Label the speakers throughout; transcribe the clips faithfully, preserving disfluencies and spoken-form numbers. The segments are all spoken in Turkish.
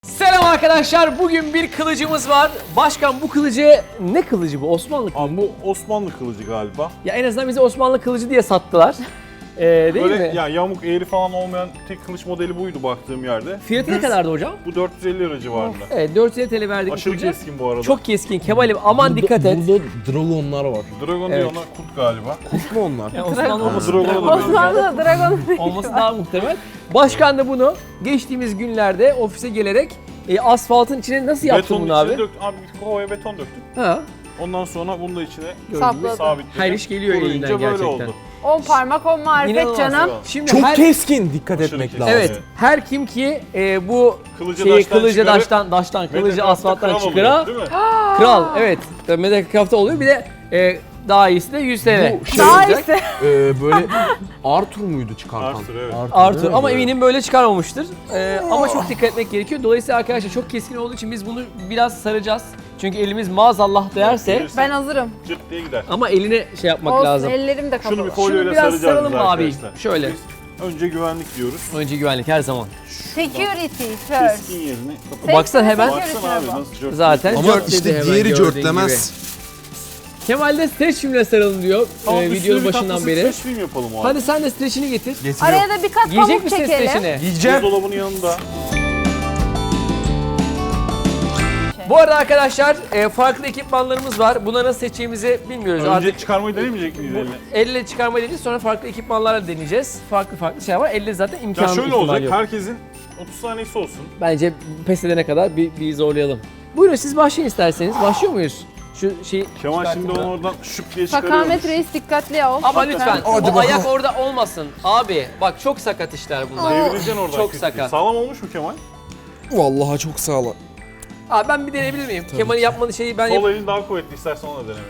Speaker 1: Selam arkadaşlar. Bugün bir kılıcımız var. Başkan bu kılıcı ne kılıcı bu? Osmanlı kılıcı.
Speaker 2: Abi bu Osmanlı kılıcı galiba.
Speaker 1: Ya en azından bize Osmanlı kılıcı diye sattılar. Ee, değil
Speaker 2: Böyle
Speaker 1: mi?
Speaker 2: ya yamuk eğri falan olmayan tek kılıç modeli buydu baktığım yerde.
Speaker 1: Fiyatı ne
Speaker 2: Düz,
Speaker 1: kadardı hocam?
Speaker 2: Bu dört yüz elli lira civarında.
Speaker 1: Evet dört yüz elli T L verdik.
Speaker 2: Aşırı
Speaker 1: kılıcı.
Speaker 2: keskin bu arada.
Speaker 1: Çok keskin. Kemal'im aman dikkat et.
Speaker 3: Burada dragonlar var.
Speaker 2: Dragon
Speaker 1: Evet.
Speaker 2: diyor ona kurt galiba.
Speaker 3: Kurt mu onlar?
Speaker 1: Ya Osmanlı
Speaker 2: Ama
Speaker 1: olması,
Speaker 2: Dragon'a da benziyor.
Speaker 4: Osmanlı Dragon
Speaker 1: olması daha muhtemel. Başkan da bunu geçtiğimiz günlerde ofise gelerek e, asfaltın içine nasıl yaptın
Speaker 2: Betonun
Speaker 1: bunu
Speaker 2: içine
Speaker 1: abi?
Speaker 2: döktüm. Abi bir kovaya beton döktüm.
Speaker 1: Ha.
Speaker 2: Ondan sonra bunu da içine
Speaker 4: sapladı.
Speaker 2: sabitledim.
Speaker 1: Her iş geliyor
Speaker 2: Kuruyunca
Speaker 1: elinden
Speaker 2: böyle
Speaker 1: gerçekten.
Speaker 2: oldu.
Speaker 4: On parmak on marifet
Speaker 1: İnanılmaz.
Speaker 4: canım.
Speaker 1: Şimdi
Speaker 3: Çok
Speaker 1: her,
Speaker 3: keskin, dikkat
Speaker 2: Aşırı
Speaker 3: etmek
Speaker 2: keskin.
Speaker 3: lazım.
Speaker 1: evet, her kim ki e, bu
Speaker 2: Kılıcı
Speaker 1: şeyi
Speaker 2: daştan
Speaker 1: kılıcı
Speaker 2: çıkarıp
Speaker 1: daştan daştan kılıcı
Speaker 2: Mediacraft'ta
Speaker 1: asfalttan
Speaker 2: kral
Speaker 1: çıkara
Speaker 2: oluyor, değil mi?
Speaker 1: kral, evet. Mediacraft'ta oluyor. Bir de e, daha iyisi de yüz T L.
Speaker 3: Bu şey
Speaker 4: Daha
Speaker 1: olacak.
Speaker 4: iyisi.
Speaker 3: Ee, böyle Arthur muydu çıkartan?
Speaker 2: Arthur, evet.
Speaker 1: Arthur
Speaker 3: değil mi?
Speaker 1: ama eminim böyle çıkarmamıştır. Ee, ama çok dikkat etmek gerekiyor. Dolayısıyla arkadaşlar çok keskin olduğu için biz bunu biraz saracağız. Çünkü elimiz maazallah değerse
Speaker 2: Gelirse
Speaker 4: Ben hazırım.
Speaker 2: Cırt diye gider.
Speaker 1: ama eline şey yapmak
Speaker 4: Olsun
Speaker 1: lazım.
Speaker 4: ellerim de
Speaker 2: Şunu bir
Speaker 4: kapalı.
Speaker 2: folyoyla
Speaker 1: Şunu biraz
Speaker 2: saracağız
Speaker 1: saralım
Speaker 2: biz
Speaker 1: mı abi?
Speaker 2: arkadaşlar.
Speaker 1: Şöyle.
Speaker 2: Biz önce güvenlik diyoruz.
Speaker 1: Önce güvenlik her zaman.
Speaker 4: Security first.
Speaker 2: Keskin yerini kapat.
Speaker 1: Baksana hemen.
Speaker 2: Baksana abi nasıl cırt.
Speaker 1: Zaten
Speaker 3: Ama
Speaker 1: cört dedi
Speaker 3: işte
Speaker 1: hemen
Speaker 3: diğeri
Speaker 1: gördüğün
Speaker 3: cörtlemez.
Speaker 1: gibi. Kemal de streç filmle saralım diyor
Speaker 2: Tamam,
Speaker 1: e,
Speaker 2: üstüne
Speaker 1: videonun
Speaker 2: bir
Speaker 1: başından
Speaker 2: tatlısı
Speaker 1: beri.
Speaker 2: streç film yapalım o halde.
Speaker 1: Hadi sen de streçini getir.
Speaker 3: Getiriyor.
Speaker 4: Araya da bir kat
Speaker 1: Yiyecek
Speaker 4: pamuk
Speaker 1: misin
Speaker 4: çekelim.
Speaker 1: streçini?
Speaker 3: Yiyeceğim.
Speaker 2: Buzdolabının yanında.
Speaker 1: Bu arada arkadaşlar e, farklı ekipmanlarımız var. Bunları nasıl seçeceğimizi bilmiyoruz.
Speaker 2: Önce
Speaker 1: Artık
Speaker 2: çıkarmayı denemeyecek miyiz eline?
Speaker 1: elle çıkarmayı deneyeceğiz, sonra farklı ekipmanlarla deneyeceğiz. Farklı farklı şey var. Elle zaten
Speaker 2: Ya
Speaker 1: imkanı
Speaker 2: şöyle
Speaker 1: ihtimal
Speaker 2: olacak,
Speaker 1: yok.
Speaker 2: herkesin otuz saniyesi olsun.
Speaker 1: Bence pes edene kadar bir, bir zorlayalım. Buyurun siz başlayın isterseniz. Başlıyor muyuz? Şu şeyi
Speaker 2: Kemal
Speaker 1: çıkartayım
Speaker 2: şimdi
Speaker 1: da.
Speaker 2: onu oradan şıp diye çıkarıyormuş.
Speaker 4: Fakamet reis dikkatli ol.
Speaker 1: Ama lütfen
Speaker 3: Hadi
Speaker 1: o
Speaker 3: bakalım.
Speaker 1: ayak orada olmasın. Abi bak çok sakat işler bunlar.
Speaker 2: Devireceksin oradan.
Speaker 1: Çok
Speaker 2: küt
Speaker 1: sakat.
Speaker 2: diye. Sağlam olmuş mu Kemal?
Speaker 3: Vallahi çok sağlam.
Speaker 1: Abi ben bir deneyebilir miyim? Kemal'in yapmadığı şeyi ben yap...
Speaker 2: Sol elin daha kuvvetli, istersen onu da deneme.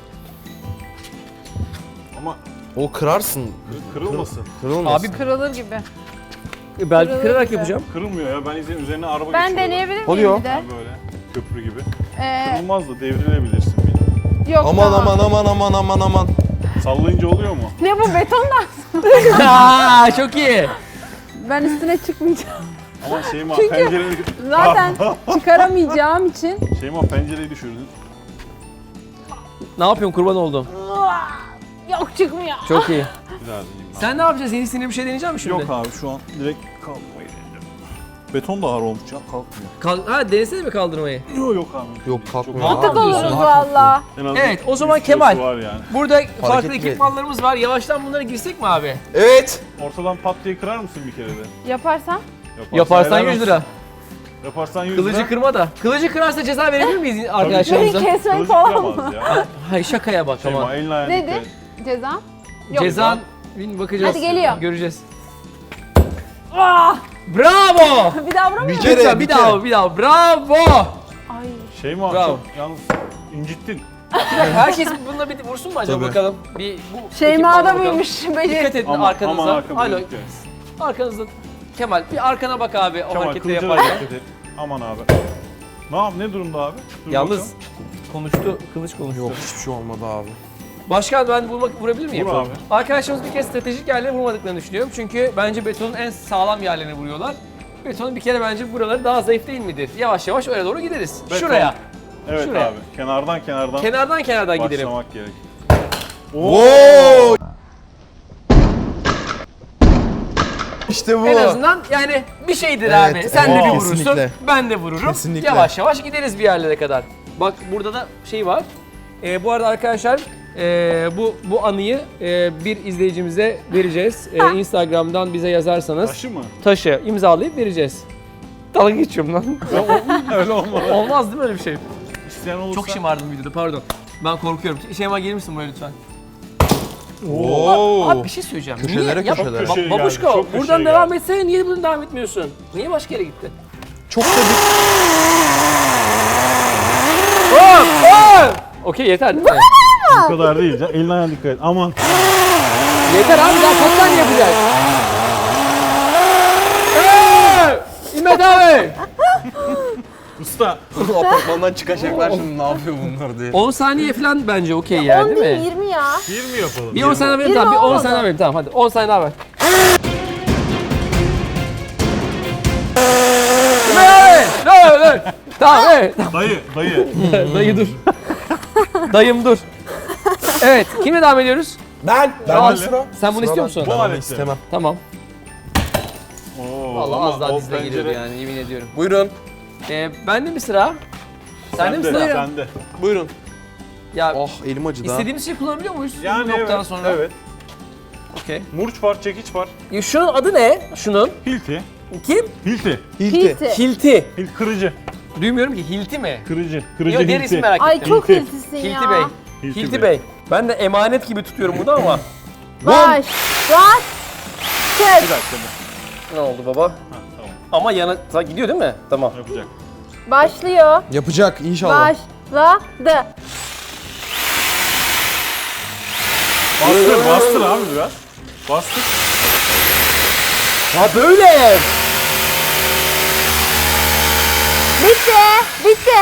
Speaker 2: Ama
Speaker 3: O kırarsın.
Speaker 2: kır- kırılmasın.
Speaker 3: Kırılmaz.
Speaker 1: Abi
Speaker 4: Kırılır gibi.
Speaker 1: belki
Speaker 4: Kırılır
Speaker 1: kırarak
Speaker 4: gibi.
Speaker 1: yapacağım.
Speaker 2: Kırılmıyor ya, ben izin üzerine araba
Speaker 4: Ben
Speaker 2: geçiyorum.
Speaker 4: deneyebilir miyim
Speaker 3: Oluyor.
Speaker 4: bir de?
Speaker 2: Ha böyle, köprü gibi.
Speaker 4: Ee,
Speaker 2: Kırılmaz da devrilebilirsin.
Speaker 4: yok
Speaker 3: Aman
Speaker 4: tamam.
Speaker 3: aman aman aman aman aman.
Speaker 2: Sallayınca oluyor mu?
Speaker 4: Ne bu betondan?
Speaker 1: Aa, çok iyi.
Speaker 4: Ben üstüne çıkmayacağım.
Speaker 2: Ama Şeyma
Speaker 4: Çünkü-
Speaker 2: pencereyi,
Speaker 4: Zaten çıkaramayacağım için.
Speaker 2: Şeyma pencereyi düşürdün.
Speaker 1: Ne yapıyorsun, kurban oldum.
Speaker 4: Yok çıkmıyor.
Speaker 1: Çok iyi.
Speaker 2: Bir daha deneyeyim ben.
Speaker 1: Sen ne yapacaksın? Yeni sinir bir şey deneyecek misin şimdi?
Speaker 2: Yok abi, şu an direkt kalkmayı deneyeceğim. Beton da ağır olmuş ya, kalkmıyor.
Speaker 1: Kal- ha denesene mi kaldırmayı?
Speaker 2: Yok yok abi.
Speaker 3: Yok,
Speaker 2: Çok
Speaker 3: kalkmıyor.
Speaker 2: ağır.
Speaker 4: Atık
Speaker 1: Aa,
Speaker 4: oluruz
Speaker 1: diyorsun.
Speaker 4: valla.
Speaker 2: En az
Speaker 1: Evet, o
Speaker 2: yüz
Speaker 1: zaman
Speaker 2: kilosu
Speaker 1: Kemal.
Speaker 2: var yani.
Speaker 1: Burada farklı
Speaker 3: Hareketli.
Speaker 1: ekipmanlarımız var. Yavaştan bunlara girsek mi abi?
Speaker 3: Evet.
Speaker 2: Ortadan pat diye kırar mısın bir kere de?
Speaker 4: Yaparsam?
Speaker 1: Yaparsan
Speaker 2: helal
Speaker 1: yüz
Speaker 2: olsun.
Speaker 1: lira.
Speaker 2: Yaparsan yüz
Speaker 1: Kılıcı
Speaker 2: lira.
Speaker 1: kırma da. Kılıcı kırarsa ceza verebilir miyiz
Speaker 4: Beni
Speaker 1: arkadaşlarımıza?
Speaker 4: kesmek
Speaker 2: Kılıcı
Speaker 4: falan mı?
Speaker 2: kıramaz ya.
Speaker 1: Hayır şakaya bak ama.
Speaker 2: Şeyma elini ayağını
Speaker 4: Nedir?
Speaker 2: dikkat et.
Speaker 4: Cezam? Yok.
Speaker 1: Cezan bin bakacağız.
Speaker 4: Hadi geliyor.
Speaker 1: Göreceğiz.
Speaker 4: Ah!
Speaker 1: Bravo!
Speaker 4: Bir daha vuramıyor
Speaker 3: Bir
Speaker 4: musun?
Speaker 3: kere,
Speaker 1: Lütfen
Speaker 3: bir
Speaker 1: bir daha
Speaker 3: kere.
Speaker 1: bir daha. Bravo!
Speaker 4: Ay.
Speaker 2: Şeyma
Speaker 1: Bravo.
Speaker 2: çok yalnız incittin.
Speaker 1: Herkes bununla bir vursun mu acaba
Speaker 3: Tabii.
Speaker 1: bakalım? Bir bu
Speaker 4: Şeyma'da
Speaker 1: ekipmanla bakalım.
Speaker 4: mıymış?
Speaker 1: Dikkat
Speaker 4: Beceri.
Speaker 1: edin
Speaker 2: Aman,
Speaker 1: arkanıza.
Speaker 2: aman arkamda
Speaker 1: Alo.
Speaker 2: dikkat et.
Speaker 1: Arkanızda. Kemal bir arkana bak abi o
Speaker 2: Kemal
Speaker 1: hareketleri
Speaker 2: kılıcına
Speaker 1: yaparken.
Speaker 2: dikkat et. Aman abi. Ne yap? Ne durumda abi? Dur
Speaker 1: Yalnız
Speaker 2: bakalım.
Speaker 1: konuştu, kılıç konuştu.
Speaker 3: Yok hiçbir şey olmadı abi.
Speaker 1: Başkan ben vurmak, vurabilir miyim?
Speaker 2: Vur abi.
Speaker 1: Arkadaşlarımız bir kez stratejik yerlere vurmadıklarını düşünüyorum. Çünkü bence betonun en sağlam yerlerini vuruyorlar. Betonun bir kere bence buraları daha zayıf değil midir? Yavaş yavaş öyle doğru gideriz.
Speaker 2: Beton.
Speaker 1: Şuraya.
Speaker 2: Evet
Speaker 1: şuraya.
Speaker 2: abi. Kenardan kenardan
Speaker 1: Kenardan kenardan gidelim.
Speaker 2: başlamak gerek.
Speaker 3: Oo! İşte bu.
Speaker 1: En azından yani bir şeydir
Speaker 3: Evet,
Speaker 1: abi. Sen
Speaker 3: evet,
Speaker 1: de bir vurursun,
Speaker 3: kesinlikle.
Speaker 1: ben de vururum.
Speaker 3: Kesinlikle.
Speaker 1: Yavaş yavaş gideriz bir yerlere kadar. Bak burada da şey var. Ee, bu arada arkadaşlar e, bu bu anıyı e, bir izleyicimize vereceğiz. E, Instagram'dan bize yazarsanız
Speaker 2: Taşı mı?
Speaker 1: taşı imzalayıp vereceğiz. Dalga geçiyorum lan.
Speaker 2: Öyle olmaz.
Speaker 1: Olmaz değil mi öyle bir şey?
Speaker 2: İsteyen olursa.
Speaker 1: Çok şımardım videoda pardon. Ben korkuyorum. Şeyma gelir misin buraya lütfen?
Speaker 3: Oo.
Speaker 1: Abi bir şey söyleyeceğim.
Speaker 3: Köşelere,
Speaker 1: Niye?
Speaker 3: köşelere.
Speaker 1: Ba-
Speaker 2: Köşeye geldi,
Speaker 1: babuşka
Speaker 2: çok köşeye
Speaker 1: buradan
Speaker 2: geldi.
Speaker 1: devam etsene niye buradan devam etmiyorsun? Niye başka yere gittin?
Speaker 3: Çok da bir...
Speaker 1: Hop hop! Okey yeter değil mi?
Speaker 2: Bu kadar değil canım. Eline ayağına dikkat et. Aman.
Speaker 1: Yeter abi daha kaç tane yapacağız? Hey! İmmet abi!
Speaker 2: Usta.
Speaker 3: Apartmandan çıkacaklar şimdi ne yapıyor bunlar diye.
Speaker 1: on saniye falan bence okey ya
Speaker 4: on
Speaker 1: değil
Speaker 4: değil
Speaker 1: mi?
Speaker 4: yirmi ya.
Speaker 2: Bir mi yapalım?
Speaker 1: Bir on saniye verin tamam, bir on saniye verin tamam hadi on saniye daha ver. İmmet abi! dur. Tamam evet.
Speaker 2: Dayı, dayı.
Speaker 1: Dayı dur. Dayım dur. Evet, kimle devam ediyoruz?
Speaker 3: Ben. Ben
Speaker 1: Al.
Speaker 3: de sıra.
Speaker 1: Sen bunu istiyor musun?
Speaker 2: Bu
Speaker 3: Ben onu
Speaker 2: aleti.
Speaker 3: istemem.
Speaker 1: Tamam.
Speaker 2: Oo,
Speaker 1: Vallahi
Speaker 2: ama
Speaker 1: az daha
Speaker 2: o
Speaker 1: dizine
Speaker 2: pencere-
Speaker 1: giriyordu yani yemin ediyorum.
Speaker 3: Buyurun.
Speaker 1: Ee, bende mi sıra? Sende mi
Speaker 2: Sende,
Speaker 1: sıra?
Speaker 2: sende.
Speaker 3: Buyurun.
Speaker 1: Ya
Speaker 3: Oh elim acıdı ha.
Speaker 1: istediğimiz şeyi kullanabiliyor muyuz
Speaker 2: Yani
Speaker 1: bu noktadan
Speaker 2: evet,
Speaker 1: sonra?
Speaker 2: evet.
Speaker 1: Okey.
Speaker 2: Murç var, çekiç var.
Speaker 1: Ya şunun adı ne? Şunun.
Speaker 2: Hilti.
Speaker 1: Kim?
Speaker 2: Hilti.
Speaker 3: Hilti.
Speaker 4: Hilti.
Speaker 1: Hilti.
Speaker 2: Hil, kırıcı.
Speaker 1: Duymuyorum ki Hilti mi?
Speaker 2: Kırıcı. Kırıcı
Speaker 1: Yok diğer
Speaker 2: hilti.
Speaker 1: ismi merak
Speaker 4: Ay
Speaker 1: ettim.
Speaker 4: çok
Speaker 2: Hilti.
Speaker 4: hiltisin ya.
Speaker 1: Hilti Bey.
Speaker 2: Hilti
Speaker 1: Hilti
Speaker 2: Bey.
Speaker 1: Bey. Ben de emanet gibi tutuyorum bunu ama.
Speaker 4: Baş. Baş.
Speaker 2: Bir
Speaker 4: Çek.
Speaker 2: dakika.
Speaker 1: Ne oldu baba?
Speaker 2: Ha, tamam.
Speaker 1: Ama yana ta- gidiyor değil mi? Tamam.
Speaker 2: Yapacak.
Speaker 4: Başlıyor.
Speaker 3: Yapacak inşallah.
Speaker 4: Başladı.
Speaker 2: Bastır, bastır abi biraz. Bastır.
Speaker 1: Ha böyle.
Speaker 4: Bitti. Bitti.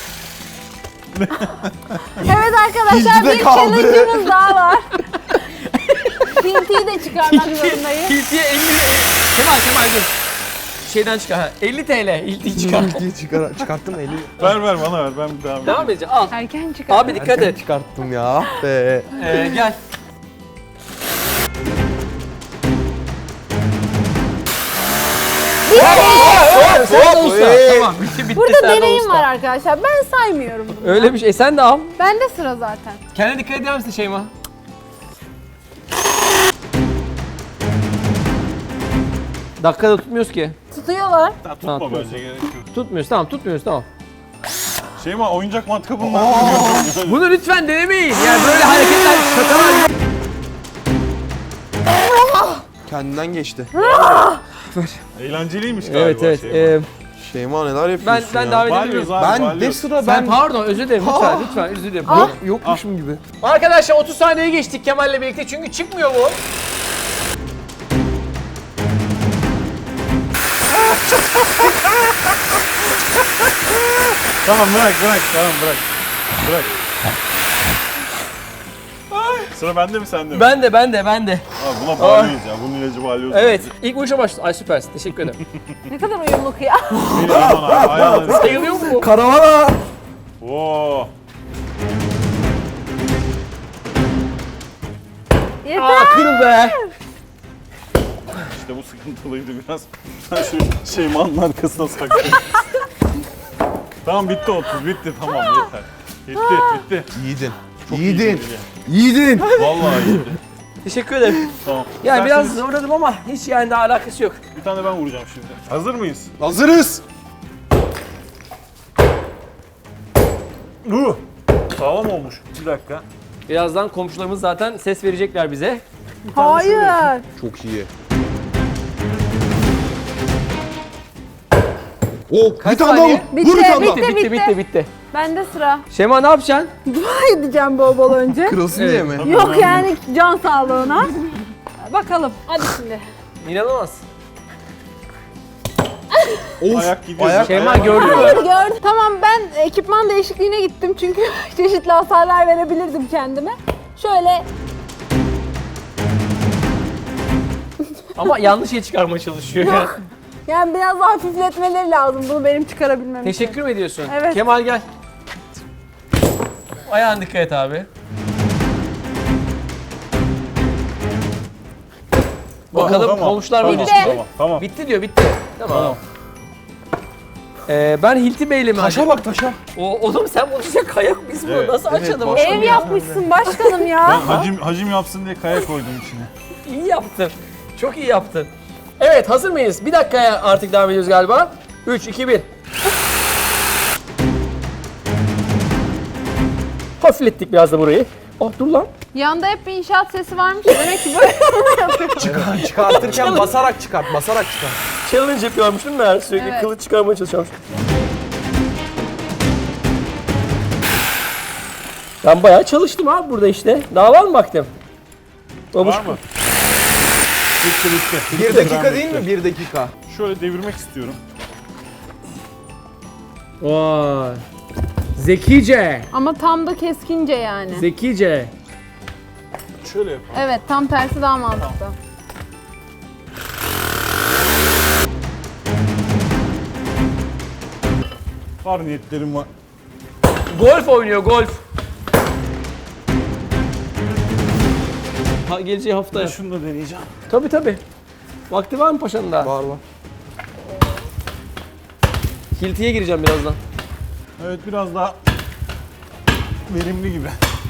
Speaker 4: Evet arkadaşlar
Speaker 3: Hilti de
Speaker 4: bir
Speaker 3: kaldı.
Speaker 4: challenge'ımız daha var. Hilti'yi de çıkarmak zorundayız.
Speaker 1: Hilti'ye elli... Kemal Kemal dur. Şeyden çıkar. Ha. elli TL. Hilti'yi çıkar.
Speaker 3: Hiltiyi çıkar, çıkarttım eli.
Speaker 2: Ver ver bana ver, ben devam edeyim.
Speaker 1: Devam edeceğim. Al.
Speaker 4: Erken çıkar.
Speaker 1: Abi dikkat et.
Speaker 3: Çıkarttım ya. Ah be.
Speaker 1: Ee, gel.
Speaker 3: Hop,
Speaker 1: Sen de
Speaker 3: hop,
Speaker 1: usta.
Speaker 3: hey.
Speaker 1: Tamam bitti bitti.
Speaker 4: Burada
Speaker 1: sen de
Speaker 4: deneyim
Speaker 1: usta.
Speaker 4: var arkadaşlar. Ben saymıyorum bunu.
Speaker 1: Öyle bir şey. E sen de al.
Speaker 4: Bende sıra zaten.
Speaker 1: Kendine dikkat eder misin Şeyma? Dakikada tutmuyoruz ki.
Speaker 4: Tutuyorlar.
Speaker 2: Ha, tutma
Speaker 1: Tamam,
Speaker 2: bence, gerek yok.
Speaker 1: Tutmuyoruz tamam tutmuyoruz tamam.
Speaker 2: Şeyma, oyuncak matkapı bunlar mı?
Speaker 1: Bunu lütfen denemeyin. Yani böyle hareketler şakalar.
Speaker 3: Kendinden geçti.
Speaker 2: Eğlenceliymiş galiba
Speaker 1: Evet evet.
Speaker 2: Şeyma.
Speaker 1: Ee,
Speaker 3: Şeyma neler
Speaker 1: ben
Speaker 3: yapıyorsun
Speaker 1: ben
Speaker 3: ya?
Speaker 1: davet
Speaker 2: Balyoz
Speaker 1: ediyorum.
Speaker 2: abi,
Speaker 3: Ben de
Speaker 2: balyoz.
Speaker 3: sıra
Speaker 1: Sen
Speaker 3: ben.
Speaker 1: pardon özür dilerim lütfen lütfen özür dilerim.
Speaker 3: Yok, yokmuşum gibi.
Speaker 1: Arkadaşlar otuz saniye geçtik Kemal'le birlikte çünkü çıkmıyor bu.
Speaker 2: Tamam bırak bırak, tamam bırak. Bırak. Sıra bende mi sende mi?
Speaker 1: Ben de ben de ben de.
Speaker 2: Abi buna balyoz ya, bunun ilacı balyoz.
Speaker 1: Evet ilk vuruşa başladı. Ay süpersin teşekkür ederim.
Speaker 4: Ne kadar uyumluk ya.
Speaker 2: Beni aman abi, ayağları.
Speaker 1: Sayılıyor mu bu?
Speaker 3: Karavana.
Speaker 2: Oo.
Speaker 4: Yeter.
Speaker 1: Aa kırıl be.
Speaker 2: İşte bu sıkıntılıydı biraz. Ben şu Şeyma'nın arkasına saklayayım. Tamam bitti otuz, bitti tamam yeter. Bitti, bitti.
Speaker 3: Yiğidin.
Speaker 2: Çok
Speaker 3: Yiğidin.
Speaker 2: iyiydi.
Speaker 3: Yiğidin.
Speaker 2: Vallahi iyiydi.
Speaker 1: Teşekkür ederim.
Speaker 2: Tamam.
Speaker 1: Yani biraz
Speaker 2: İsterseniz
Speaker 1: zorladım ama hiç yani daha alakası yok.
Speaker 2: bir tane ben vuracağım şimdi. Hazır mıyız?
Speaker 3: Hazırız.
Speaker 2: Uh. Sağlam olmuş. Bir dakika.
Speaker 1: Birazdan komşularımız zaten ses verecekler bize.
Speaker 4: Hayır.
Speaker 3: Çok iyi. Oh,
Speaker 1: Kaç
Speaker 3: bir tane daha
Speaker 1: saniye?
Speaker 3: vur.
Speaker 4: Bitti,
Speaker 3: Vur bir tane
Speaker 4: bitti.
Speaker 3: daha.
Speaker 1: Bitti bitti bitti bitti.
Speaker 4: Bende sıra.
Speaker 1: Şema ne yapacaksın?
Speaker 4: Dua edeceğim bol bol önce.
Speaker 3: Kırılsın
Speaker 1: Evet.
Speaker 3: diye mi?
Speaker 4: Yok yani can sağlığına. Bakalım. Hadi şimdi.
Speaker 1: İnanılmaz.
Speaker 3: Of.
Speaker 2: Ayak gidiyor.
Speaker 3: Ayak-
Speaker 1: Şeyma
Speaker 2: Ayak-
Speaker 1: gördün mü?
Speaker 4: Hayır gördüm. Tamam ben ekipman değişikliğine gittim çünkü çeşitli hasarlar verebilirdim kendime. Şöyle
Speaker 1: Ama yanlış şey çıkarmaya çalışıyor ya.
Speaker 4: yani biraz daha hafifletmeleri lazım bunu benim çıkarabilmem için.
Speaker 1: Teşekkür mü ediyorsun?
Speaker 4: Evet.
Speaker 1: Kemal gel. Ayağına dikkat et abi. Bakalım
Speaker 2: Tamam,
Speaker 1: komşular
Speaker 2: tamam,
Speaker 1: böyle
Speaker 4: Bitti.
Speaker 1: çıkıyor.
Speaker 2: Tamam, tamam.
Speaker 1: Bitti diyor bitti. Tamam. Ee, ben Hilti Bey'le mi?
Speaker 3: Taşa bak taşa.
Speaker 1: O, oğlum sen bunu işte kayak biz bunu
Speaker 2: Evet,
Speaker 1: nasıl
Speaker 3: evet,
Speaker 1: açalım?
Speaker 3: başka
Speaker 4: Ev yapmışsın başkanım
Speaker 2: Ben
Speaker 4: ya.
Speaker 2: hacim, hacim yapsın diye kaya koydum içine.
Speaker 1: İyi yaptın. Çok iyi yaptın. Evet hazır mıyız? Bir dakikaya artık devam ediyoruz galiba. üç, iki, bir. Hafiflettik biraz da burayı. Oh dur lan.
Speaker 4: Yanda hep bir inşaat sesi varmış. Demek ki böyle yapıyor.
Speaker 3: Çıkartırken basarak çıkart, basarak çıkart.
Speaker 1: Challenge yapıyormuş değil mi? Her sürekli
Speaker 4: Evet.
Speaker 1: kılıç çıkarmaya çalışıyormuş. Ben bayağı çalıştım abi burada işte. Daha var mı vaktim? Babuş.
Speaker 2: Var mı? Bitti bitti.
Speaker 3: Bir
Speaker 2: Bitti,
Speaker 3: dakika
Speaker 2: ben
Speaker 3: değil
Speaker 2: bitti.
Speaker 3: mi? Bir dakika.
Speaker 2: Şöyle devirmek istiyorum.
Speaker 1: Vay. Zekice.
Speaker 4: Ama tam da keskince yani.
Speaker 1: Zekice.
Speaker 2: Şöyle yapalım.
Speaker 4: Evet tam tersi daha mantıklı.
Speaker 2: Var niyetlerim var.
Speaker 1: Golf oynuyor, golf. Ha, geleceği haftaya.
Speaker 2: Ben şunu da deneyeceğim.
Speaker 1: Tabii tabii. Vakti var mı paşanın daha?
Speaker 3: Var var.
Speaker 1: Hilti'ye gireceğim birazdan.
Speaker 2: Evet biraz daha verimli gibi.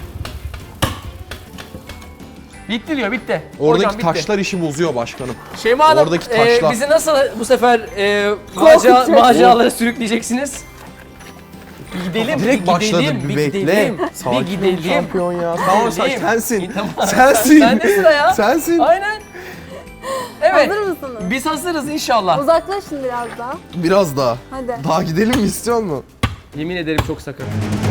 Speaker 1: Bitti diyor, bitti.
Speaker 3: Oradaki
Speaker 1: Hocam, bitti.
Speaker 3: taşlar işi bozuyor başkanım.
Speaker 1: Şeyma Hanım,
Speaker 3: Oradaki
Speaker 1: e,
Speaker 3: taşlar.
Speaker 1: bizi nasıl bu sefer e,
Speaker 4: Korkutacak.
Speaker 1: maca, maceralara sürükleyeceksiniz? Bir gidelim,
Speaker 3: Direkt
Speaker 1: bir
Speaker 3: başladı,
Speaker 1: gidelim,
Speaker 3: bir
Speaker 1: bir
Speaker 3: bekle.
Speaker 1: gidelim,
Speaker 3: Sakin ol
Speaker 1: bir gidelim.
Speaker 3: şampiyon ya. Tamam sen,
Speaker 1: Gidelim.
Speaker 3: sensin.
Speaker 1: Tamam.
Speaker 3: Sensin.
Speaker 1: Sende sıra ya.
Speaker 3: Sensin.
Speaker 1: Aynen. Evet.
Speaker 4: Hazır mısınız?
Speaker 1: Biz hazırız inşallah.
Speaker 4: Uzaklaşın biraz daha.
Speaker 3: Biraz daha.
Speaker 4: Hadi.
Speaker 3: Daha gidelim mi istiyor musun?
Speaker 1: Yemin ederim çok sakın.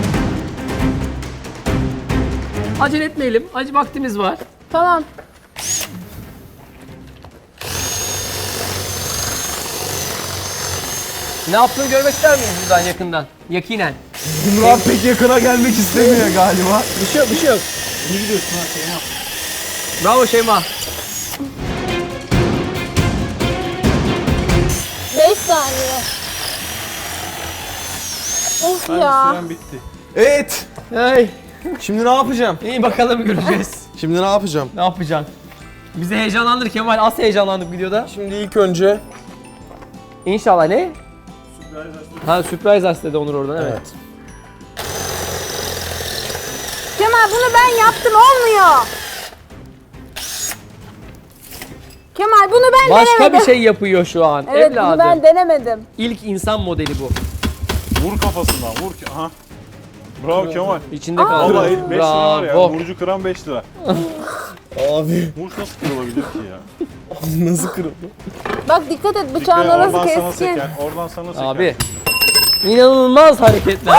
Speaker 1: Acele etmeyelim. Acı vaktimiz var.
Speaker 4: Tamam.
Speaker 1: Ne yaptığını görmek ister miyiz buradan yakından? Yakinen.
Speaker 3: Murat pek yakına gelmek istemiyor galiba.
Speaker 1: Bir şey yok, bir şey yok.
Speaker 2: İyi gidiyorsun ha Şeyma.
Speaker 1: Bravo Şeyma.
Speaker 4: beş saniye. Of
Speaker 2: Bence
Speaker 4: ya.
Speaker 2: süren bitti.
Speaker 3: Evet.
Speaker 1: Hey.
Speaker 3: Şimdi ne yapacağım?
Speaker 1: İyi bakalım göreceğiz.
Speaker 3: Şimdi ne yapacağım?
Speaker 1: Ne yapacaksın? Bizi heyecanlandır Kemal. Az heyecanlandık videoda.
Speaker 3: Şimdi ilk önce
Speaker 1: İnşallah ne? Ha sürpriz as dedi Onur oradan evet.
Speaker 3: evet.
Speaker 4: Kemal bunu ben yaptım olmuyor. Kemal bunu ben
Speaker 1: Başka
Speaker 4: denemedim.
Speaker 1: bir şey yapıyor şu an.
Speaker 4: Evet
Speaker 1: Evladım.
Speaker 4: bunu ben denemedim.
Speaker 1: İlk insan modeli bu.
Speaker 2: Vur kafasından vur. ki- Aha. Bravo Kemal.
Speaker 1: İçinde kaldı.
Speaker 2: Vallahi beş lira var ya.
Speaker 1: Bravo.
Speaker 2: Vurucu kıran beş lira.
Speaker 3: Abi
Speaker 2: Vuruş nasıl kırılabilir ki ya?
Speaker 3: nasıl kırıldı?
Speaker 4: Bak dikkat et bıçağın
Speaker 2: Dikkat,
Speaker 4: orası
Speaker 2: oradan sana
Speaker 4: keskin.
Speaker 2: seker. Oradan sana seker.
Speaker 1: Abi. İnanılmaz hareketler.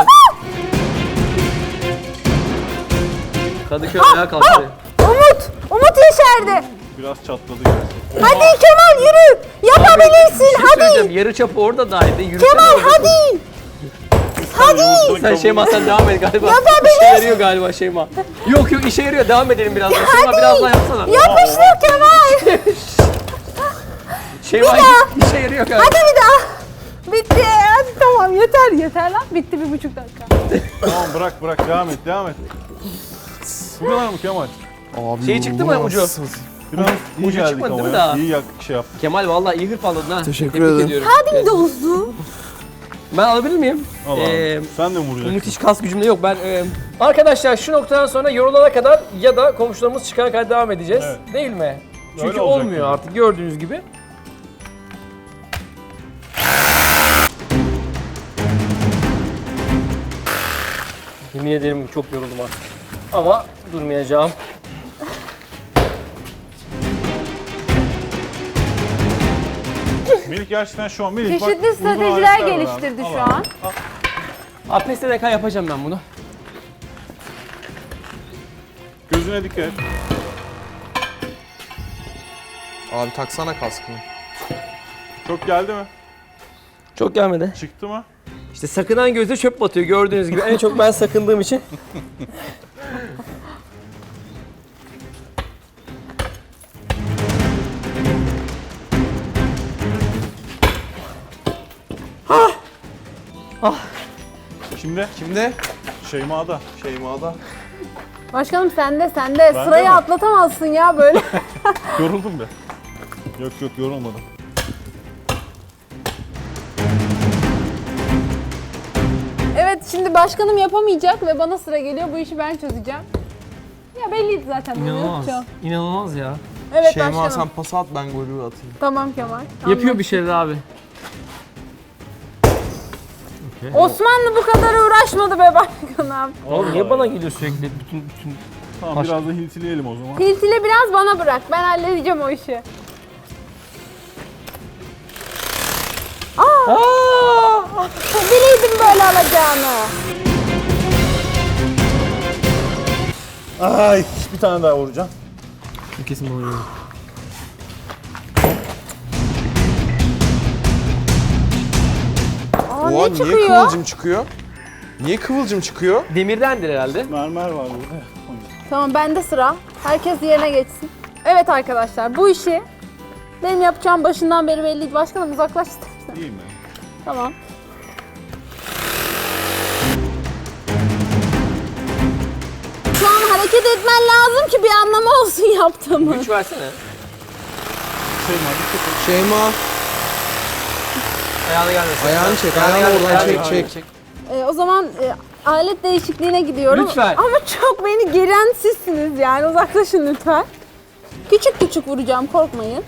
Speaker 1: Kadıköy ayağa kalktı.
Speaker 4: Umut! Umut yeşerdi.
Speaker 2: Biraz çatladı gerçi.
Speaker 4: Hadi Kemal yürü. Yapabilirsin
Speaker 1: Bir şey
Speaker 4: hadi.
Speaker 1: söyleyeceğim. Yarı çapı orada daydı. Yürüsene
Speaker 4: Kemal
Speaker 1: orada.
Speaker 4: hadi.
Speaker 2: Hadi.
Speaker 1: Sen Şeyma sen devam et galiba.
Speaker 4: Yapabilirsin.
Speaker 1: İşe yarıyor galiba Şeyma. Yok yok işe yarıyor. Devam edelim biraz daha. Şeyma biraz daha yapsana.
Speaker 4: Yapıştır Kemal.
Speaker 1: Şeyma
Speaker 4: Bir daha.
Speaker 1: işe yarıyor galiba.
Speaker 4: Hadi bir daha. Bitti. Hadi tamam yeter yeter lan. Bitti bir buçuk dakika.
Speaker 2: Tamam bırak bırak devam et devam et. Bu kadar mı Kemal?
Speaker 3: Abi
Speaker 1: Şey çıktı mı ucu?
Speaker 3: nasıl?
Speaker 2: Biraz iyi
Speaker 1: ucu
Speaker 2: geldik
Speaker 1: çıkmadı
Speaker 2: ama
Speaker 1: değil mi
Speaker 2: ya.
Speaker 1: daha?
Speaker 2: İyi yak şey yaptık.
Speaker 1: Kemal vallahi iyi hırpaladın ha.
Speaker 3: Teşekkür
Speaker 1: Tebrik
Speaker 3: ederim.
Speaker 1: ediyorum.
Speaker 4: Hadi bir de uzun.
Speaker 1: Ben alabilir miyim?
Speaker 2: Allah
Speaker 1: Ee,
Speaker 2: Sen de mi vuracaksın?
Speaker 1: Müthiş kas gücümde yok. Ben e, arkadaşlar şu noktadan sonra yorulana kadar ya da komşularımız çıkana kadar devam edeceğiz.
Speaker 2: Evet.
Speaker 1: Değil mi? Çünkü
Speaker 2: Öyle olacak
Speaker 1: olmuyor
Speaker 2: gibi.
Speaker 1: artık gördüğünüz gibi. Yemin ederim çok yoruldum artık. Ama durmayacağım.
Speaker 2: Melih gerçekten şu an Melih bak,
Speaker 4: Çeşitli
Speaker 2: uygun
Speaker 4: stratejiler
Speaker 2: aletler var
Speaker 4: geliştirdi
Speaker 2: abi.
Speaker 4: şu
Speaker 2: Al
Speaker 4: an.
Speaker 1: A P S D K yapacağım ben bunu.
Speaker 2: Gözüne dikkat et.
Speaker 3: Abi taksana kaskını.
Speaker 2: Çok geldi mi?
Speaker 1: Çok gelmedi.
Speaker 2: Çıktı mı?
Speaker 1: İşte sakınan gözde çöp batıyor gördüğünüz gibi. En çok ben sakındığım için.
Speaker 2: Şimdi
Speaker 3: Şimdi
Speaker 2: Şeyma'da.
Speaker 3: Şeyma'da.
Speaker 4: Başkanım sende sende.
Speaker 2: Ben
Speaker 4: Sırayı
Speaker 2: de mi?
Speaker 4: atlatamazsın ya böyle.
Speaker 2: Yoruldum be. Yok yok yorulmadım.
Speaker 4: Evet şimdi başkanım yapamayacak ve bana sıra geliyor. Bu işi ben çözeceğim. Ya belliydi zaten. bunu
Speaker 1: İnanılmaz.
Speaker 4: yapacağım.
Speaker 1: İnanılmaz ya.
Speaker 4: Evet
Speaker 3: Şeyma
Speaker 4: başkanım.
Speaker 3: sen pas at ben golü atayım.
Speaker 4: Tamam Kemal.
Speaker 1: Yapıyor bir şeyler abi.
Speaker 4: Osmanlı bu kadar uğraşmadı be başkanım.
Speaker 1: Oğlum niye bana geliyor sürekli bütün bütün
Speaker 2: Tamam
Speaker 1: Baş-
Speaker 2: biraz da hiltileyelim o zaman.
Speaker 4: Hiltili biraz bana bırak. Ben halledeceğim o işi. Aa!
Speaker 1: Aa!
Speaker 4: Bileydim böyle alacağını.
Speaker 2: Ay bir tane daha vuracağım.
Speaker 1: Kesin oluyor.
Speaker 4: Aa
Speaker 3: Oha
Speaker 4: ne
Speaker 3: niye
Speaker 4: çıkıyor?
Speaker 3: kıvılcım çıkıyor? Niye kıvılcım çıkıyor?
Speaker 1: Demirdendir herhalde.
Speaker 2: Mermer var burada.
Speaker 4: Tamam bende sıra. Herkes yerine geçsin. Evet arkadaşlar bu işi benim yapacağım başından beri belliydi. Başkanım uzaklaş istersen.
Speaker 2: İyi mi?
Speaker 4: Tamam. etmen lazım ki bir anlamı olsun yaptığımı.
Speaker 1: Güç versene.
Speaker 2: Şeyma dikkat et.
Speaker 3: Şeyma.
Speaker 1: Ayağını gelmesin.
Speaker 3: Ayağını çek,
Speaker 1: Ayağını
Speaker 3: ayağını
Speaker 1: gelmesin,
Speaker 3: oradan
Speaker 1: ayağını
Speaker 3: çek,
Speaker 1: gelmesin.
Speaker 3: çek.
Speaker 4: Ee, o zaman e, alet değişikliğine gidiyorum.
Speaker 1: Lütfen.
Speaker 4: Ama çok beni geren sizsiniz yani uzaklaşın lütfen. Küçük küçük vuracağım, korkmayın.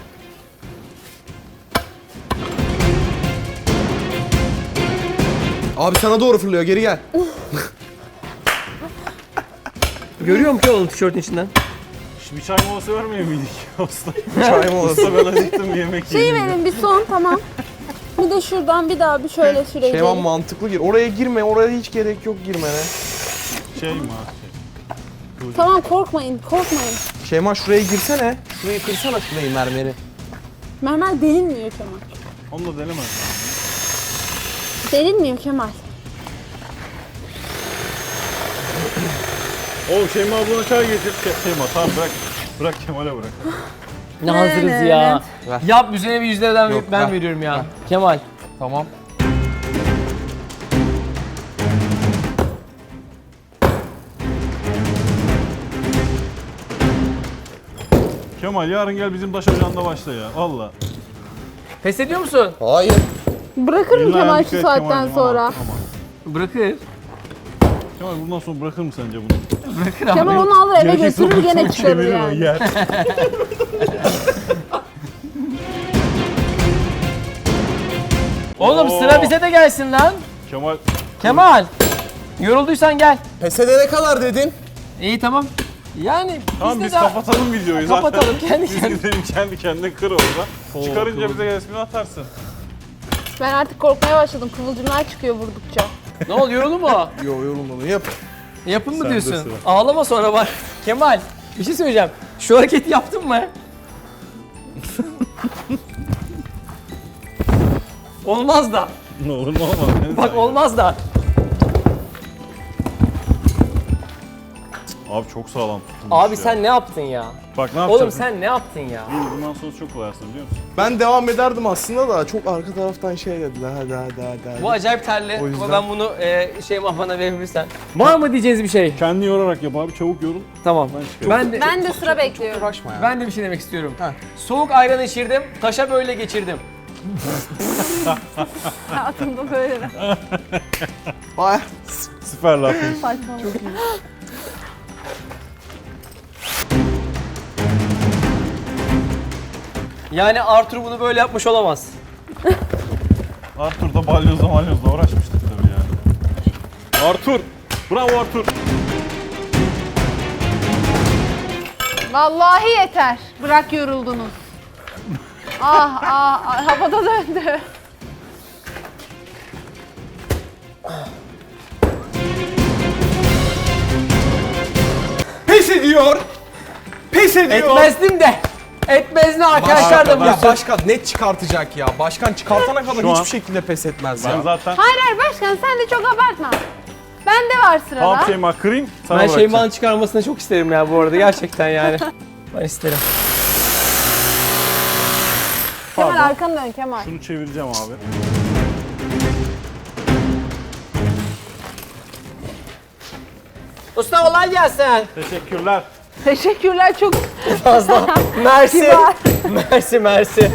Speaker 3: Abi sana doğru fırlıyor, geri gel.
Speaker 1: Görüyorum ki oğlum tişörtün içinden.
Speaker 2: Bir çay molası vermiyor muyduk usta?
Speaker 3: Çay molası.
Speaker 2: Usta ben acıktım bir yemek
Speaker 4: Şeyi
Speaker 2: yiyeyim.
Speaker 4: verin bir son, tamam. Bir de şuradan bir daha bir şöyle süreceğim.
Speaker 3: Şeyma mantıklı gir. Oraya girme, oraya hiç gerek yok girmene.
Speaker 2: Şeyma.
Speaker 4: Tamam, korkmayın, korkmayın.
Speaker 3: Şeyma şuraya girsene. Şurayı kırsana şurayı mermeri.
Speaker 4: Mermer delinmiyor Kemal.
Speaker 2: Onu da denemez.
Speaker 4: Delinmiyor Kemal.
Speaker 2: Oğlum Şeyma ablana çay getir. Ke- Şeyma tamam bırak. Bırak Kemal'e bırak.
Speaker 1: Ne
Speaker 4: Ne,
Speaker 1: hazırız
Speaker 4: ne,
Speaker 1: ya.
Speaker 3: Ver.
Speaker 1: Yap üzerine bir yüz liradan
Speaker 3: Yok,
Speaker 1: ben
Speaker 3: ver.
Speaker 1: veriyorum ya. Kemal.
Speaker 3: Tamam.
Speaker 2: Kemal yarın gel bizim taş ocağında başla ya. Valla.
Speaker 1: Pes ediyor musun?
Speaker 3: Hayır.
Speaker 4: Bırakır mı
Speaker 2: Eline
Speaker 4: Kemal
Speaker 2: ayağına
Speaker 4: şu
Speaker 2: dikkat et
Speaker 4: saatten
Speaker 2: Kemal'cim,
Speaker 4: sonra?
Speaker 2: aman, aman.
Speaker 1: Bırakır.
Speaker 2: Kemal bundan sonra bırakır mı sence bunu?
Speaker 1: Bırakır abi.
Speaker 4: Kemal onu alır eve
Speaker 2: Gerekirse
Speaker 4: götürür gene
Speaker 2: oturur,
Speaker 4: çıkarır
Speaker 2: çevirir o,
Speaker 4: yani.
Speaker 2: yer.
Speaker 1: Oğlum
Speaker 2: Oo.
Speaker 1: sıra bize de gelsin lan.
Speaker 2: Kemal
Speaker 1: Kemal. Yorulduysan gel.
Speaker 3: Pes edene kadar dedin.
Speaker 1: İyi tamam. Yani
Speaker 2: tamam
Speaker 1: biz de
Speaker 2: biz
Speaker 1: daha-
Speaker 2: kapatalım videoyu zaten.
Speaker 1: Kapatalım, kendi
Speaker 2: Biz
Speaker 1: kendine.
Speaker 2: gidelim kendi kendine kır orada. Çıkarınca bize resmini atarsın.
Speaker 4: Ben artık korkmaya başladım. Kıvılcımlar çıkıyor vurdukça.
Speaker 1: Ne oldu yoruldu mu?
Speaker 3: Yo yorulmadı yap.
Speaker 1: Yapın mı
Speaker 2: Sende
Speaker 1: diyorsun?
Speaker 2: sıra.
Speaker 1: Ağlama sonra bak. Kemal bir şey söyleyeceğim. Şu hareketi yaptın mı? Olmaz da.
Speaker 2: Ne olur ne olmaz. En
Speaker 1: Bak
Speaker 2: saygı.
Speaker 1: olmaz da.
Speaker 2: Abi çok sağlam tutulmuş
Speaker 1: Abi
Speaker 2: ya.
Speaker 1: sen ne yaptın ya?
Speaker 2: Bak ne yapacağız?
Speaker 1: Oğlum sen ne yaptın ya?
Speaker 2: Değil, bundan sonra çok kolaysın biliyor musun?
Speaker 3: Ben devam ederdim aslında da çok arka taraftan şey dediler. Hadi hadi hadi. hadi.
Speaker 1: Bu acayip terli.
Speaker 3: O yüzden-
Speaker 1: Ama ben bunu e, şey bana verebilirsen. Var mı diyeceğiniz bir şey?
Speaker 2: Kendi yorarak yap abi çabuk yorul.
Speaker 1: Tamam.
Speaker 2: Ben çıkıyorum.
Speaker 1: Ben de,
Speaker 4: Ben de sıra bekliyorum.
Speaker 3: Uğraşma ya.
Speaker 1: ben de bir şey demek istiyorum.
Speaker 3: Heh.
Speaker 1: Soğuk ayran içirdim, taşa böyle geçirdim.
Speaker 4: Hayatımda böyle de.
Speaker 3: Baya.
Speaker 2: Süper laf.
Speaker 4: Saçmalık.
Speaker 1: Yani Arthur bunu böyle yapmış olamaz.
Speaker 2: Arthur da balyozla malyozla uğraşmıştık tabii yani. Arthur! Bravo Arthur!
Speaker 4: Vallahi yeter. Bırak yoruldunuz. ah ah, ah havada döndü.
Speaker 3: Pes ediyor. Pes ediyor.
Speaker 1: Etmezdim de. Etmez ne arkadaşlar da
Speaker 2: Başka-
Speaker 1: bu.
Speaker 3: Ya başkan net çıkartacak ya. Başkan çıkartana kadar
Speaker 2: Şu an-
Speaker 3: hiçbir şekilde pes etmez
Speaker 2: Ben
Speaker 3: ya.
Speaker 2: zaten
Speaker 4: Hayır hayır başkan sen de çok abartma. Bende var sırada.
Speaker 2: tamam Şeyma kırayım sana
Speaker 1: Ben
Speaker 2: bırakacağım.
Speaker 1: Şeyma'nın çıkarmasını çok isterim ya bu arada gerçekten yani. Ben isterim.
Speaker 4: Kemal
Speaker 2: Pardon.
Speaker 4: arkanı dön Kemal.
Speaker 2: Şunu çevireceğim abi.
Speaker 1: Usta kolay gelsin.
Speaker 2: Teşekkürler.
Speaker 4: Teşekkürler çok
Speaker 1: Fazla. Mersi.
Speaker 4: kibar.
Speaker 1: Mersi mersi.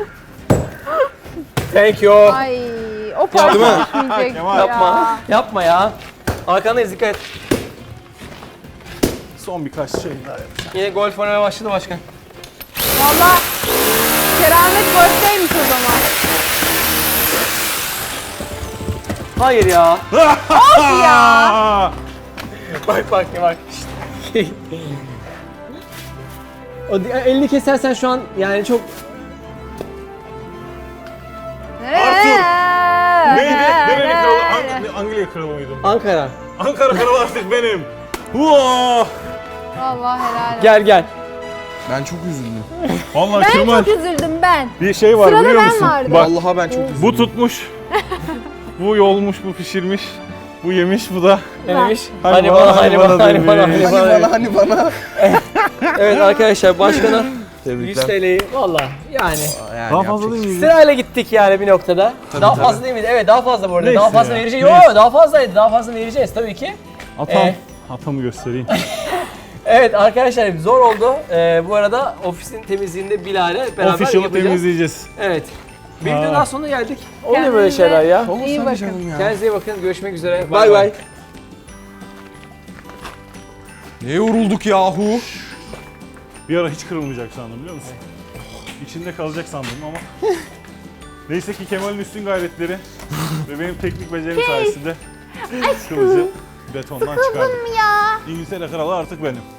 Speaker 1: Thank you.
Speaker 4: Ay o parça
Speaker 3: Değil mi?
Speaker 4: düşmeyecek
Speaker 2: Kemal.
Speaker 1: Yapma.
Speaker 4: ya.
Speaker 1: Yapma ya. Arkandayız dikkat et.
Speaker 2: Son birkaç şey daha yap.
Speaker 1: Yine golf oynamaya başladı başkan.
Speaker 4: Valla keramet golfteymiş o zaman.
Speaker 1: Hayır ya.
Speaker 4: Ya.
Speaker 2: Aa!
Speaker 1: Bak bak bak. O di- elini kesersen şu an yani çok
Speaker 2: Arthur! Neydi? Nereli kralı?
Speaker 4: Nereli
Speaker 2: Ang- Angliya kralı mıydım?
Speaker 1: Ankara.
Speaker 2: Ankara kralı artık benim. Wow!
Speaker 4: Allah helal olsun.
Speaker 1: Gel gel.
Speaker 3: Ben çok üzüldüm.
Speaker 2: Vallahi
Speaker 4: Ben
Speaker 2: Kemal
Speaker 4: çok üzüldüm ben.
Speaker 2: bir şey var
Speaker 4: Sırada
Speaker 2: biliyor
Speaker 4: ben
Speaker 2: musun?
Speaker 4: vardım.
Speaker 2: Bak
Speaker 3: Vallahi ben çok üzüldüm.
Speaker 2: bu tutmuş. Bu yolmuş, bu pişirmiş. Bu yemiş, bu da.
Speaker 1: Ne demiş?
Speaker 2: Hani
Speaker 1: Hani
Speaker 2: bana,
Speaker 1: bana,
Speaker 2: hani
Speaker 1: hani
Speaker 2: bana
Speaker 1: bana, hani bana,
Speaker 2: demiş.
Speaker 1: hani
Speaker 3: Hani
Speaker 1: bana.
Speaker 3: bana hani bana.
Speaker 1: Evet arkadaşlar başkana yüz
Speaker 3: Tebrikler.
Speaker 1: T L'yi valla yani
Speaker 3: Yani
Speaker 2: Daha fazla
Speaker 3: yapacak-
Speaker 2: değil miydi?
Speaker 1: sırayla gittik yani bir noktada. daha
Speaker 3: tabii.
Speaker 1: fazla değil miydi? Evet daha fazla bu arada.
Speaker 2: Neyse
Speaker 1: daha fazla
Speaker 2: ya,
Speaker 1: vereceğiz.
Speaker 2: neyse.
Speaker 1: Yo daha fazlaydı. Daha fazla vereceğiz tabii ki.
Speaker 2: Atam.
Speaker 1: Ee?
Speaker 2: Atamı göstereyim.
Speaker 1: Evet arkadaşlar zor oldu. Ee, bu arada ofisin temizliğinde Bilal'e beraber
Speaker 2: Official'ı
Speaker 1: yapacağız.
Speaker 2: temizleyeceğiz.
Speaker 1: Evet. Bir
Speaker 2: Ha.
Speaker 1: videonun daha sonuna geldik. Oluyor böyle şeyler ya.
Speaker 3: Olmaz
Speaker 4: İyi
Speaker 3: tabii
Speaker 4: bakın.
Speaker 3: canım ya.
Speaker 1: Kendinize iyi bakın. Görüşmek üzere.
Speaker 3: Bay bay.
Speaker 5: Ne yorulduk yahu.
Speaker 2: Bir ara hiç kırılmayacak sandım biliyor musun? İçinde kalacak sandım ama neyse ki Kemal'in üstün gayretleri ve benim teknik becerim sayesinde kılıcı betondan çıkardık.
Speaker 4: ya.
Speaker 2: İngiltere kralı artık benim.